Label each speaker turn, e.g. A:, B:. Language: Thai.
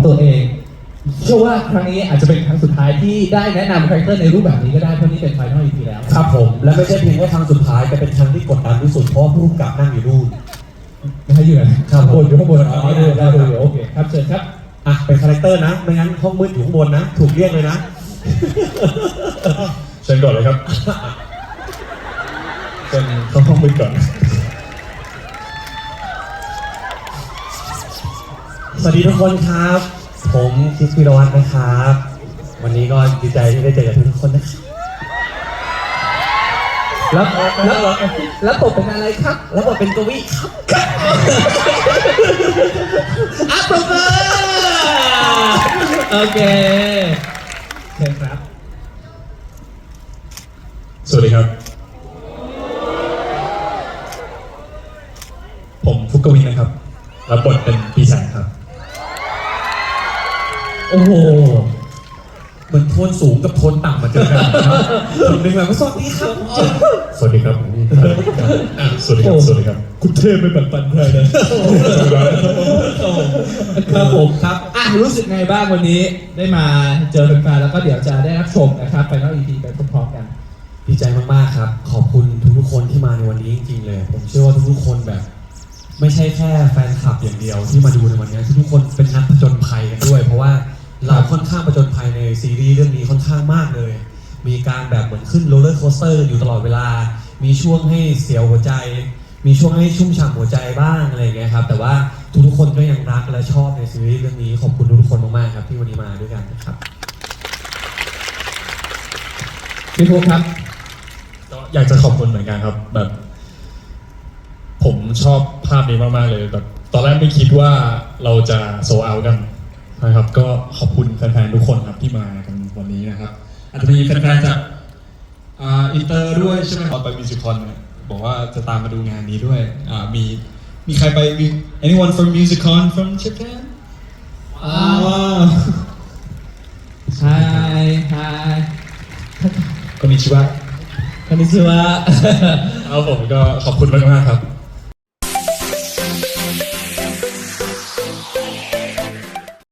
A: ตัวเองเชื่อว่าครั้งนี้อาจจะเป็นครั้งสุดท้ายที่ได้แนะนำคาแรคเตอร์ในรูปแบบนี้ก็ได้เพราะนี่เป็น Final EP แล้ว
B: ครับผมและไม่ใช่เพียงแค่ครั้งสุดท้ายแต่เป็นครั้งที่กดดันที่สุดเพราะผู้กำกับนั่งอยู่นู่น
A: ไม่ให้อยู่นะครับบนอยู่ข้างบนอ๋อได้
B: ครับ
A: โอเคครับเชิญครับ
B: อ่ะเป็นคาแรคเตอร์นะไม่งั้นห้องมืดอยู่ข้างบนนะถูกเรียกเลยนะ
C: เชิญก่อนเลยครับเชิญเข้าห้องมืดก่อน
B: สวัสดีทุกคนครับ ผมคริสพิรวัฒน์นะครับ วันนี้ก็ดีใจที่ได้เจอกับทุกคนนะครับ
A: แล้วผมเป็นอะไรครับ
B: แล้วบทเป็นกวีครับ
A: อัปเปอร์โอเคเชิญครับ
C: สวัสดีครับ ผมฟุกกวินนะครับรับบทเป็นปีศาจครับ
A: โอ้โห
B: เหมือนโทนสูงกับโทนต่ำมาเจอกันนะครับคนหนึ่งแบบว่าสวัสดีครับ
C: สวัสดีครับสวัสดีครับสวัสดีครับคุณเทพไม่ปันปันใครนะครับ
A: ผมครับรู้สึกไงบ้างวันนี้ได้มาเจอแฟนๆแล้วก็เดี๋ยวจะได้รับชมนะครับ Final EP ไปพร้อมๆกัน
B: ดีใจมากๆครับขอบคุณทุกๆคนที่มาในวันนี้จริงๆเลยผมเชื่อว่าทุกๆคนแบบ ไม่ใช่แค่แฟนคลับอย่างเดียวที่มาดูในวันนี้ทุกๆคนเป็นนักผจญภัยกันด้วย เพราะว่าเราค่อนข้างผจญภัยในซีรีส์เรื่องนี้ค่อนข้างมากเลย มีการแบบเหมือนขึ้นโรลเลอร์โคสเตอร์อยู่ตลอดเวลา มีช่วงให้เสียวหัวใจ มีช่วงให้ชุ่มฉ่ำหัวใจบ้างอะไรอย่างเงี้ยครับแต่ว่าทุกๆคนก็ยังรักและชอบในซีรีส์เรื่องนี้ขอบคุณทุกๆคนมากๆครับที่วันนี้มาด้วยกันนะครับ
A: พี่ภูครับ
C: ก็อยากจะขอบคุณเหมือนกันครับแบบ ผมชอบภาพนี้มากๆเลยแบบตอนแรกไม่คิดว่าเราจะโซเอากันนะครับก็ขอบคุณแฟนๆทุกคนครับที่มากันวันนี้นะครับอาจจะมีแฟนๆจากอินเตอร์ด้วยใช่ไหมครับไปมิวสิคอนเนี่ยบอกว่าจะตามมาดูงานนี้ด้วยมีใครไป anyone from musicon from Japan
A: Hi
C: คนนี้ชื่อว่า
A: คอนนิชิวะ
C: เอาผมก็ขอบคุณมากๆครับ